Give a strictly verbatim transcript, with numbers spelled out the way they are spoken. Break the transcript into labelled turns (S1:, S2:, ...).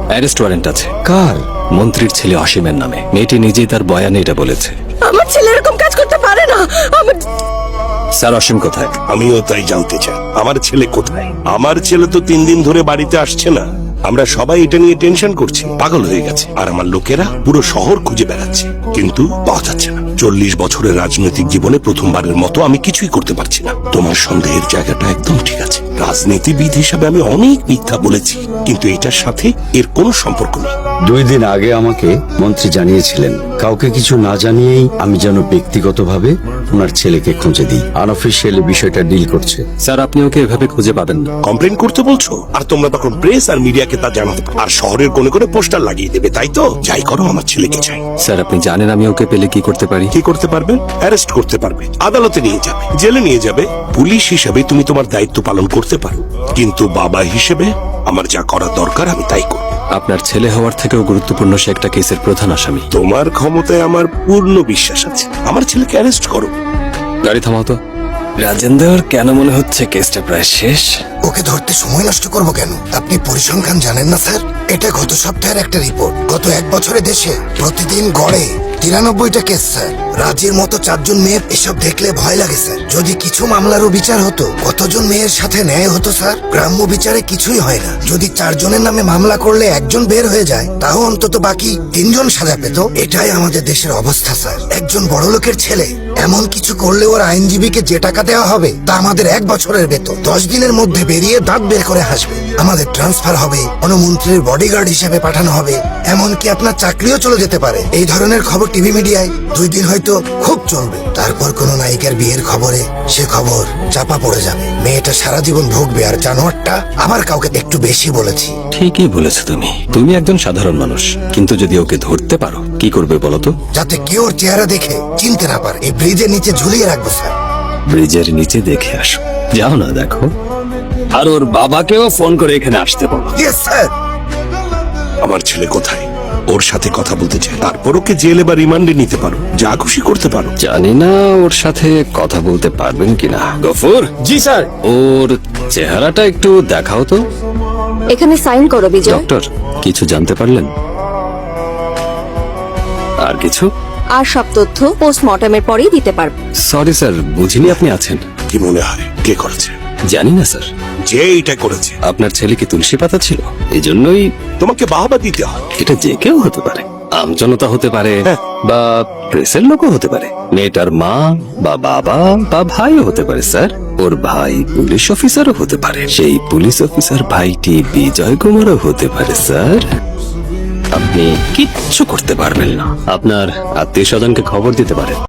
S1: Arrest warrant আছে।
S2: কার?
S1: মন্ত্রীর ছেলে অসীমের নামে। মেয়েটি নিজেই তার বয়ানে এটা বলেছে।
S3: আমার ছেলে এরকম কাজ করতে পারে না। আমার
S1: স্যার, অসীম কোথায়?
S4: আমিও তাই জানতে চাই, আমার ছেলে কোথায়? আমার ছেলে তো তিন দিন ধরে বাড়িতে আসছে না। আমরা সবাই এটা নিয়ে টেনশন করছি, পাগল হয়ে গেছে। আর আমার লোকেরা পুরো শহর খুঁজে বেড়াচ্ছে, কিন্তু পাওয়া যাচ্ছে না। চল্লিশ বছরের রাজনৈতিক জীবনে প্রথমবারের মতো আমি কিছুই করতে পারছি না। তোমার সন্দেহের জায়গাটা একদম ঠিক আছে। রাজনীতিবিদ হিসাবে আমি অনেক মিথ্যা বলেছি, কিন্তু এটার সাথে এর কোনো সম্পর্ক নেই।
S2: দুই দিন আগে আমাকে মন্ত্রী জানিয়েছিলেন কাউকে কিছু না জানিয়েই আমি যেন ব্যক্তিগতভাবে ওনার ছেলেকে খুঁজে দিই। আনঅফিসিয়ালি বিষয়টা ডিল করছে।
S1: স্যার, আপনি ওকে এভাবে খুঁজে পাবেন না।
S4: কমপ্লেন করতে বলছো, আর তোমরা তখন প্রেস আর মিডিয়াকে তা জানাতে পারো, আর শহরের কোনে কোনে পোস্টার লাগিয়ে দেবে, তাই তো? যাই করো, আমার ছেলেকে চাই।
S1: স্যার, আপনি জানেন আমি ওকে পেলে কি করতে পারি?
S4: কি করতে পারবেন? অ্যারেস্ট করতে পারবে, আদালতে নিয়ে যাবে, জেলে নিয়ে যাবে। পুলিশ হিসেবে তুমি তোমার দায়িত্ব পালন করতে পারো, কিন্তু বাবা হিসেবে আমার যা করা দরকার আমি তাই করব।
S1: আপনার ছেলে হওয়ার থেকেও গুরুত্বপূর্ণ সে একটা কেসের প্রধান আসামি।
S4: তোমার ক্ষমতায় আমার পূর্ণ বিশ্বাস আছে। আমার ছেলেকে অ্যারেস্ট করো।
S1: গাড়ি থামাও তো। রাজেন্দ্র, কেন মনে হচ্ছে কেসটা প্রায় শেষ?
S5: ওকে ধরতে সময় নষ্ট করবো কেন? আপনি পরিসংখ্যান জানেন না স্যার? এটা গত সপ্তাহের একটা রিপোর্ট। গত এক বছরে দেশে প্রতিদিন গড়ে তিরানব্বইটা কেস স্যার। রাজির মতো চারজন মেয়ের এসব দেখলে ভয় লাগে স্যার। যদি কিছু মামলারও বিচার হতো, কতজন মেয়ের সাথে ন্যায় হতো স্যার? গ্রাম্য বিচারে কিছুই হয় না। যদি চারজনের নামে মামলা করলে একজন বের হয়ে যায়, তাও অন্তত বাকি তিনজন সাজা পেত। এটাই আমাদের দেশের অবস্থা স্যার। একজন বড়লোকের ছেলে এমন কিছু করলে ওর আইনজীবীকে যে টাকা দেওয়া হবে তা আমাদের এক বছরের বেতন। দশ দিনের মধ্যে বেরিয়ে দাঁত বের করে হাসবে। আমাদের ট্রান্সফার হবে, কোনো মন্ত্রীর বডিগার্ড হিসেবে পাঠানো হবে, এমনকি আপনার চাকরিও চলে যেতে পারে। এই ধরনের খবর টিভি মিডিয়ায় দুই দিন হয়তো খুব চলবে, তারপর কোনো নায়িকার বিয়ের খবরে সে খবর চাপা পড়ে যাবে। মেয়েটা সারা জীবন ভুগবে, আর জানোয়ারটা আবার কাউকে একটু বেশি বলেছি।
S1: ঠিকই বলেছো তুমি। তুমি একজন সাধারণ মানুষ, কিন্তু যদি ওকে ধরতে পারো, কি করবে বলো তো?
S5: যাতে কেউ ওর চেহারা দেখে চিনতে না পারে। এই ব্রিজের নিচে ঝুলিয়ে রাখবো স্যার।
S1: ব্রিজের নিচে দেখে আসো। যাও না, দেখো। আর ওর বাবাকেও ফোন করে এখানে আসতে বলো।
S5: Yes sir.
S4: আমার ছেলে কোথায়? ওর সাথে কথা বলতে চাই। তারপর ওকে জেলে বা রিমান্ডে নিতে পারো, যা খুশি করতে পারো।
S1: জানি না ওর সাথে কথা বলতে পারবেন কিনা। গফুর।
S2: জি স্যার।
S1: ওর চেহারাটা একটু দেখাও তো।
S3: এখানে সাইন করো বিজয়।
S1: ডক্টর, কিছু জানতে পারলেন? আর কিছু?
S3: আর সব তথ্য পোস্টমর্টমের পরেই দিতে পারবো।
S1: সরি স্যার, বুঝিনি আপনি আছেন।
S4: কি মনে হয় কে করেছে?
S1: জানি না স্যার।
S4: যে এটা করেছে
S1: আপনার ছেলে কি তুলসী পাতা ছিল? এই জন্যই।
S4: তোমাকে বাহবা দিতে হয়।
S1: এটা যে কেউ হতে পারে। আমজনতা হতে পারে,
S4: হ্যাঁ।
S1: বা প্রেসের লোকও হতে পারে। মেয়েটার মা বা বাবা বা ভাইও হতে পারে স্যার। ওর ভাই পুলিশ অফিসারও হতে পারে। সেই পুলিশ অফিসার ভাইটি বিজয় কুমারও হতে পারে স্যার। আপনি কিচ্ছু করতে পারবেন না। আপনার আত্মীয় স্বজনকে খবর দিতে পারেন।